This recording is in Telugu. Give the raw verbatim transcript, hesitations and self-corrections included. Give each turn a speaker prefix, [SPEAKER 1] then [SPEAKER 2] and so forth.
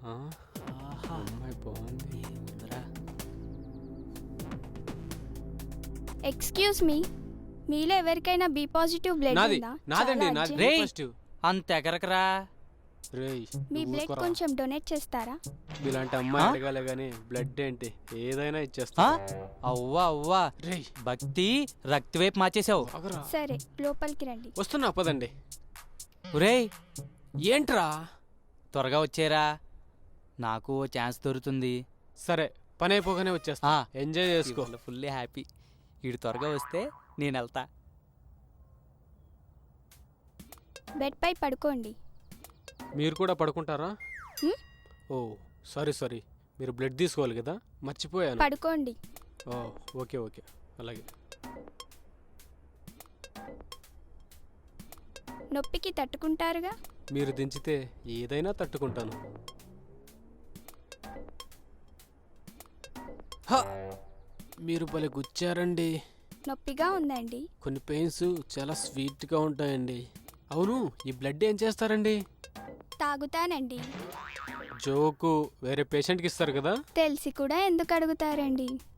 [SPEAKER 1] అమ్మాయి బాగుంది.
[SPEAKER 2] ఎక్స్క్యూజ్ మీ, మీలో ఎవరికైనా బి పాజిటివ్ బ్లడ్
[SPEAKER 1] నాది
[SPEAKER 2] ఉందా?
[SPEAKER 1] నాదండి
[SPEAKER 2] చాలా
[SPEAKER 1] నాది
[SPEAKER 2] urgent.
[SPEAKER 3] రేయ్.
[SPEAKER 1] పాజిటివ్.
[SPEAKER 3] అంత ఎగరకరా.
[SPEAKER 1] రేయ్
[SPEAKER 2] మీ
[SPEAKER 1] నువ్వు
[SPEAKER 2] బ్లడ్
[SPEAKER 1] ఊరుకోరా.
[SPEAKER 2] కొంచెం డొనేట్ చేస్తారా?
[SPEAKER 1] ఇలాంటి అమ్మాయి
[SPEAKER 3] ఆ?
[SPEAKER 1] అడగాలి గానీ బ్లడ్ ఏంటి ఏదైనా ఇచ్చేస్తా.
[SPEAKER 3] ఆ? అవ్వా అవ్వా
[SPEAKER 1] రేయ్
[SPEAKER 3] భక్తి రక్తి వైపు మార్చేసావు.
[SPEAKER 1] ఆగరా.
[SPEAKER 2] సరే లోపలికి రండి.
[SPEAKER 1] వస్తున్నా పదండి.
[SPEAKER 3] ఒరేయ్
[SPEAKER 1] ఏంట్రా?
[SPEAKER 3] త్వరగా వచ్చేరా, నాకు ఓ ఛాన్స్ దొరుకుతుంది.
[SPEAKER 1] సరే పని అయిపోగానే వచ్చేస్తా.
[SPEAKER 3] ఆ,
[SPEAKER 1] ఎంజాయ్ చేసుకో.
[SPEAKER 3] Full happy. వీడు త్వరగా వస్తే నేను వెళ్తా.
[SPEAKER 2] బెడ్ పై పడుకోండి.
[SPEAKER 1] మీరు కూడా పడుకుంటారా?
[SPEAKER 2] హ్మ్?
[SPEAKER 1] ఓ సారీ సారీ, మీరు బ్లడ్ తీసుకోవాలి కదా, మర్చిపోయాను.
[SPEAKER 2] పడుకోండి.
[SPEAKER 1] ఓ ఓకే ఓకే అలాగే.
[SPEAKER 2] నొప్పికి తట్టుకుంటారుగా?
[SPEAKER 1] మీరు దించితే ఏదైనా తట్టుకుంటాను. హ! మీరు భలే గుచ్చారండి.
[SPEAKER 2] నొప్పిగా ఉందండి.
[SPEAKER 1] కొన్ని పెయిన్స్ చాలా స్వీట్గా ఉంటాయండి. అవును, ఈ బ్లడ్ ఏం చేస్తారండి?
[SPEAKER 2] తాగుతానండి.
[SPEAKER 1] జోకు వేరే పేషెంట్కి ఇస్తారు కదా.
[SPEAKER 2] తెలిసి కూడా ఎందుకు అడుగుతారండి?